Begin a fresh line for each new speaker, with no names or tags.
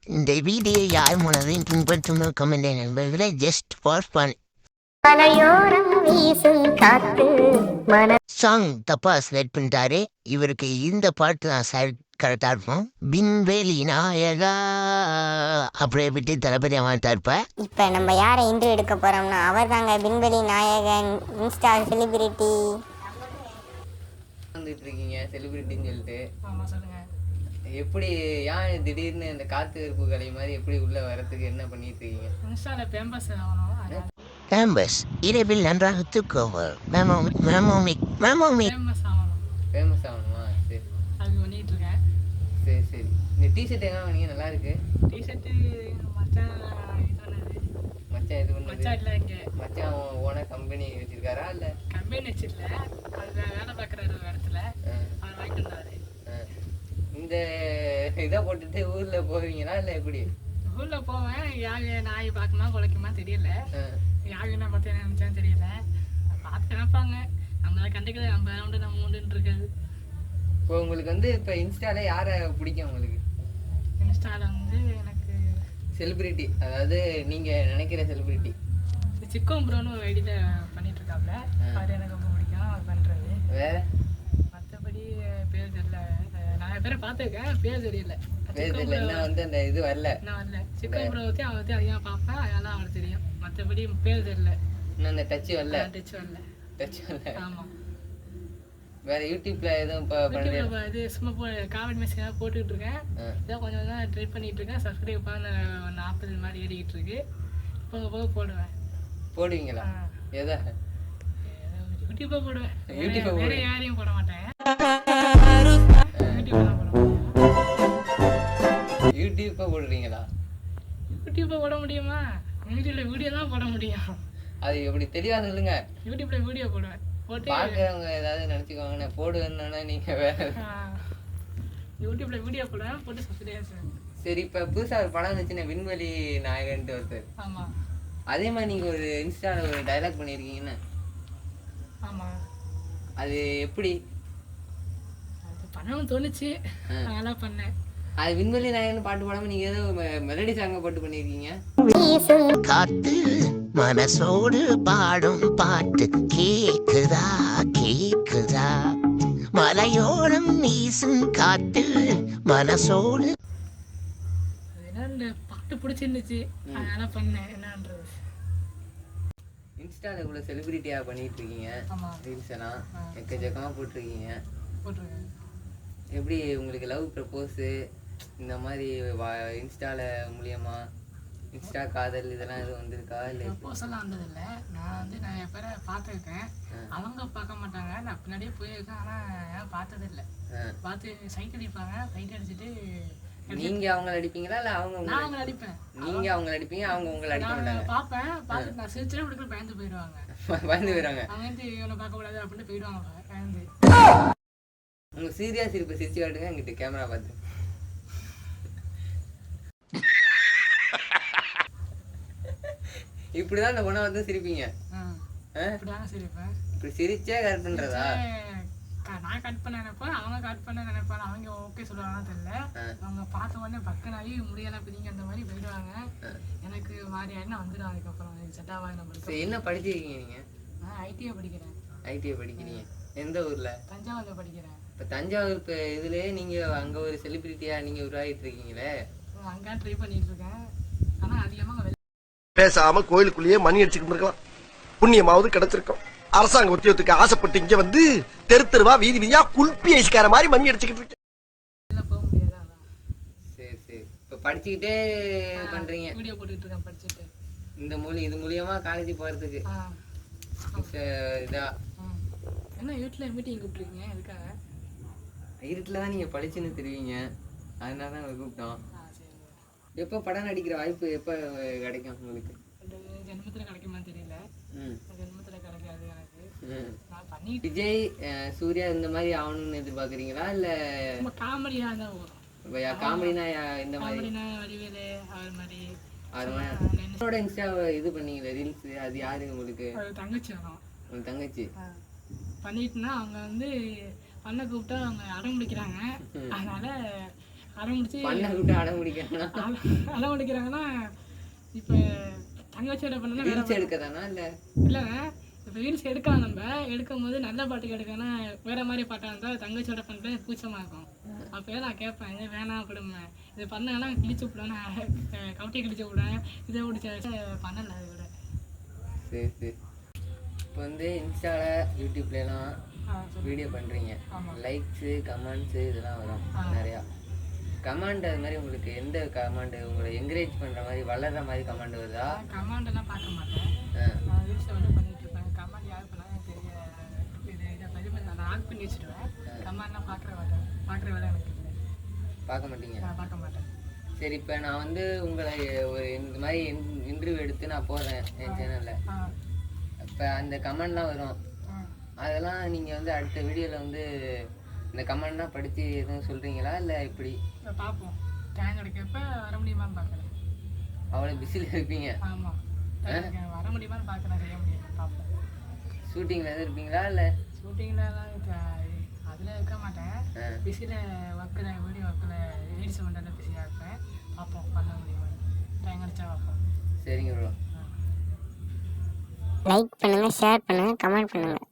இந்த வீடியோ யார் மூலதையும் பின்பற்றும் கமெண்ட் நண்பர்களே ஜஸ்ட் ஃபார் ஃபன். சாங் தப்பா செலக்ட் பண்ணிட்டாரு. இவருக்கு இந்த பாட்டு தான் கரெக்டா இருக்கும். விண்வெளி நாயகா அப்படியே விட்டு தளபதி வாங்கிட்டாருப்ப.
இப்ப நம்ம யாரை இன்டர்வியூ எடுக்க போறோம்னா அவர் தாங்க விண்வெளி நாயகன், இன்ஸ்டா செலிபிரிட்டி.
வந்துட்டு இருக்கீங்க செலிபிரிட்டின்னு சொல்லிட்டு.
ஆமா சொல்லுங்க.
எப்படி ஏன் திடீர்னு இந்த காத்து கருப்பு கலை மாதிரி எப்படி உள்ள வரதுக்கு என்ன பண்ணிட்டு இருக்கீங்க?
இன்ஸ்டால ஃபேமஸ் ஆகணும்.
கேம்பஸ் இரவில் நன்றாக தூக்குவர்.
ஃபேமஸ் ஆகணும்.
ஃபேமஸ் ஆகணுமா? சரி
அது பண்ணிட்டு இருக்கேன்.
சரி சரி. இந்த டிஷர்ட் எங்க வாங்கினீங்க? நல்லா இருக்கு.
டிஷர்ட் மச்சான்
மச்சான் இது பண்ணது?
மச்சான் இல்ல, இங்க
மச்சான் ஓன கம்பெனி வச்சிருக்காரா இல்ல?
கம்பெனி வச்சிருல, அது வேலை பார்க்குறாரு ஒரு இடத்துல. அவர் வாங்கிட்டு வந்தாரு.
இந்த இதை போட்டுட்டு ஊர்ல போவீங்களா இல்ல எப்படி?
ஊர்ல போவேன். யாரு நாய் பார்க்குமா குலைக்குமா தெரியல. யாரு என்ன பார்த்து என்ன நினைச்சான்னு தெரியல. பார்த்து நினைப்பாங்க. நம்மளை கண்டுக்கல, நம்ம உண்டு நம்ம உண்டுன்னு இருக்காது.
இப்போ உங்களுக்கு வந்து இப்போ இன்ஸ்டால யாரை பிடிக்கும் உங்களுக்கு?
இன்ஸ்டால வந்து எனக்கு
செலிபிரிட்டி, அதாவது நீங்க நினைக்கிற செலிபிரிட்டி.
சிக்கோம் ப்ரோன்னு ஒரு ஐடியில பண்ணிட்டு இருக்காப்ல. அது எனக்கு ரொம்ப பிடிக்கும் அவர் பண்றது.
வேற
மற்றபடி பேர் தெரியல. நிறைய பேரை பார்த்துருக்கேன், பேர் தெரியல.
பேர் தெரியல. என்ன வந்து அந்த இது வரல.
நான் வரல. சிக்கோம் ப்ரோ பற்றி அவரை பற்றி அதிகமாக பார்ப்பேன், அதெல்லாம் அவருக்கு தெரியும். மற்றபடி பேர் தெரியல.
இன்னும் அந்த டச் வரல.
டச் வரல.
டச் வரல.
ஆமாம்.
வேற யூடியூப்ல எதுவும்
யூடியூப்ல இது சும்மா காமெடி மெசேஜ் போட்டுக்கிட்டு இருக்கேன். இதை கொஞ்சம் கொஞ்சம் ட்ரை பண்ணிட்டு இருக்கேன். சப்ஸ்கிரைப் பண்ண 40 மாதிரி ஏறிக்கிட்டு இருக்கு. போக போக போடுவேன்.
போடுவீங்களா? எதா
யூடியூப்பை போடுவேன்.
யூடியூப்
வேற யாரையும் போட மாட்டேன். யூடியூப் தான் போட முடியும்.
யூடியூப்பை போடுறீங்களா?
யூடியூப்பை போட முடியுமா? யூடியூப்ல வீடியோ தான் போட முடியும்.
அது எப்படி தெளிவா சொல்லுங்க.
யூடியூப்ல வீடியோ போடுவேன். போட்டு
பாக்குறவங்க ஏதாவது நினைச்சுக்கோங்க நான் போடுவேன்னா நீங்க வேற.
யூடியூப்ல வீடியோ போடுவேன், போட்டு சப்ஸ்கிரைப்.
சரி, இப்ப புதுசா ஒரு படம் வந்துச்சுன்னா விண்வெளி நாயகன்ட்டு ஒருத்தர்.
ஆமா.
அதே மாதிரி நீங்க ஒரு இன்ஸ்டால ஒரு டைலாக் பண்ணிருக்கீங்கன்னு.
ஆமா.
அது எப்படி?
அது பண்ணணும்னு தோணுச்சு, அதனால பண்ணேன்.
அது விண்வெளி நாயகன் பாட்டு பாடாம நீங்க ஏதோ மெலடி சாங்க போட்டு பண்ணிருக்கீங்க.
காத்து மனசோடு பாடும் பாட்டு கேக்குதா கேக்குதா, மலையோரம் வீசும் காத்து மனசோடு.
அதனால இந்த பாட்டு பிடிச்சிருந்துச்சு, அதனால பண்ணேன். என்னன்றது
இன்ஸ்டால இவ்வளவு செலிபிரிட்டியா பண்ணிட்டு இருக்கீங்க. ரீல்ஸ் எல்லாம் எக்கச்சக்கமா போட்டிருக்கீங்க.
போட்டிருக்கேன்.
எப்படி உங்களுக்கு லவ் ப்ரப்போஸ் இந்த மாதிரி இன்ஸ்டால மூலியமா இன்ஸ்டா காதல் இதெல்லாம் எதுவும் வந்திருக்கா? இல்லை
ப்ரப்போஸெல்லாம் வந்ததில்லை. நான் வந்து நிறைய பேரை பார்த்துருக்கேன். அவங்க பார்க்க மாட்டாங்க, நான் பின்னாடியே போயிருக்கேன். ஆனால் பார்த்ததில்லை. பார்த்து சைட் அடிப்பாங்க. சைட் அடிச்சுட்டு
நீங்க அவங்கள அடிப்பீங்களா இல்லை அவங்க?
நான் அவங்கள அடிப்பேன்.
நீங்க அவங்கள அடிப்பீங்க, அவங்க உங்களை அடிக்க மாட்டாங்க.
பார்ப்பேன், பார்த்துட்டு நான் சிரிச்சே கொடுக்க பயந்து போயிடுவாங்க.
பயந்து போயிடுவாங்க.
அவங்க வந்து இவனை பார்க்கக்கூடாது அப்படின்னு போயிடுவாங்க பயந்து.
உங்க சீரியா சிரிப்பு சிரிச்சு காட்டுங்க எங்கிட்ட கேமரா பார்த்து. இப்படிதான் இந்த பொண்ணை வந்து சிரிப்பீங்க?
இப்படிதான் சிரிப்பேன்.
இப்படி சிரிச்சே கட் பண்றதா?
நான் கட் பண்ண நினைப்பேன், அவங்க கட் பண்ண நினைப்பாங்க. அவங்க ஓகே சொல்லுவாங்கன்னு தெரியல. அவங்க பார்த்த உடனே பக்கனாகி முடியலாம் பிடிங்க அந்த மாதிரி போயிடுவாங்க. எனக்கு மாதிரி ஆயிடுனா வந்துடும். அதுக்கப்புறம் செட் ஆகாது நம்மளுக்கு.
என்ன படிச்சிருக்கீங்க நீங்க?
ஐடிஐ படிக்கிறேன்.
ஐடிஐ படிக்கிறீங்க? எந்த ஊர்ல?
தஞ்சாவூர்ல படிக்கிறேன்.
இப்போ தஞ்சாவூர் இப்போ இதுலேயே நீங்கள் அங்கே ஒரு செலிபிரிட்டியா நீங்கள் உருவாகிட்டு இருக்கீங்களே?
அங்கே ட்ரை பண்ணிட்டு இருக்கேன். ஆனால் அதிகமாக
பேசாம கோயிலுக்குள்ளேயே மணி அடிச்சுக்கிட்டு இருக்கலாம். புண்ணியமாவது கிடைச்சிருக்கும். அரசாங்க உத்தியோகத்துக்கு ஆசைப்பட்டு இங்க வந்து தெரு தெருவா வீதி வீதியா குல்பி ஐஸ்கார மாதிரி மணி அடிச்சுக்கிட்டு இருக்கேன்.
போக முடியாது.
சரி சரி. இப்போ படிச்சுக்கிட்டே பண்றீங்க?
வீடியோ போட்டுக்கிட்டு இருக்கேன் படிச்சுட்டு.
இது மூலியமா காலேஜ் போறதுக்கு இதா
என்ன வீட்டில் மீட்டிங் கூப்பிட்டுருக்கீங்க? எதுக்காக?
இருட்டில் தான் நீங்கள் படிச்சுன்னு தெரிவிங்க, அதனால தான் கூப்பிட்டோம். எப்போ படம் நடிக்கிற வாய்ப்பு எப்போ கிடைக்கும் உங்களுக்கு?
ஜென்மத்தில் கிடைக்குமா தெரியல. ஜென்மத்தில் கிடைக்காது எனக்கு. நான் பண்ணி
விஜய் சூர்யா இந்த மாதிரி ஆகணும்னு எதிர்பார்க்குறீங்களா இல்லை
காமெடியாக தான் வரும்?
காமெடினா இந்த மாதிரி
வடிவேலு அவர் மாதிரி
என்னோட இன்ஸ்டா இது பண்ணீங்களே ரீல்ஸ், அது யாரு உங்களுக்கு?
தங்கச்சி வரும்.
உங்க தங்கச்சி
பண்ணிட்டுனா அவங்க வந்து பண்ண கூப்பிட்டா அவங்க அடம் பிடிக்கிறாங்க. அதனால அடம் முடிச்சு
பண்ண விட்டு அடம் முடிக்கிறானா?
அடம் முடிக்கிறாங்கன்னா இப்போ தங்கச்சியோட பண்ணா வேற
ரீல்ஸ் எடுக்க தானா இல்லை?
இல்லைங்க. இப்போ ரீல்ஸ் எடுக்கலாம், நம்ம எடுக்கும் போது நல்ல பாட்டுக்கு எடுக்கன்னா வேற மாதிரி பாட்டாக இருந்தால் தங்கச்சியோட பண்ணுறது கூச்சமாக இருக்கும். அப்போ நான் கேட்பேன், இது வேணாம் விடுமே, இது பண்ணாங்கன்னா கிழிச்சு விடுவேன், கவுட்டி கிழிச்சு விடுவேன், இதை பிடிச்ச பண்ணலை அதை விட.
சரி சரி. இப்போ வந்து இன்ஸ்டாவில் யூடியூப்லாம் வீடியோ பண்ணுறீங்க, லைக்ஸு கமெண்ட்ஸு இதெல்லாம் வரும் நிறையா. கமாண்ட் அது மாதிரி உங்களுக்கு எந்த கமாண்டு உங்களை என்கரேஜ் பண்ணுற மாதிரி வளர்கிற மாதிரி கமாண்ட் வருதா?
கமாண்டெல்லாம் பார்க்க மாட்டேன், நான் ரீல்ஸை வந்து பண்ணிட்டு இருப்பேன். கமாண்ட் யார் பண்ணாலும் தெரிய இதை பதிவு நான் ஆன் பண்ணி வச்சுடுவேன். கமாண்ட்லாம் பார்க்குற வேலை எனக்கு இல்லை.
பார்க்க மாட்டீங்க?
நான் பார்க்க மாட்டேன்.
சரி, இப்போ நான் வந்து உங்களை ஒரு இந்த மாதிரி இன்டர்வியூ எடுத்து நான் போடுறேன் என் சேனலில். இப்போ அந்த கமெண்ட்லாம் வரும், அதெல்லாம் நீங்கள் வந்து அடுத்த வீடியோவில் வந்து இந்த கமெண்ட்லாம் படித்து எதுவும் சொல்கிறீங்களா இல்லை எப்படி?
பார்ப்போம், டைம் கிடைக்கப்ப வர முடியுமான்னு பார்க்குறேன்.
அவ்வளோ பிஸியில் இருப்பீங்க?
ஆமாம், வர முடியுமான்னு பார்க்குறேன், செய்ய முடியும் பார்ப்போம்.
ஷூட்டிங்கில் எதுவும் இருப்பீங்களா இல்லை?
ஷூட்டிங்லலாம் அதில் இருக்க மாட்டேன், பிஸியில் ஒர்க்கில் வீடியோ ஒர்க்கில் ரீல்ஸ் பண்ணுறதுல பிஸியாக இருப்பேன். பார்ப்போம் பண்ண முடியுமா, டைம் கிடைச்சா பார்ப்போம்.
சரிங்க ப்ரோ.
லைக் பண்ணுங்கள், ஷேர் பண்ணுங்கள், கமெண்ட் பண்ணுங்கள்.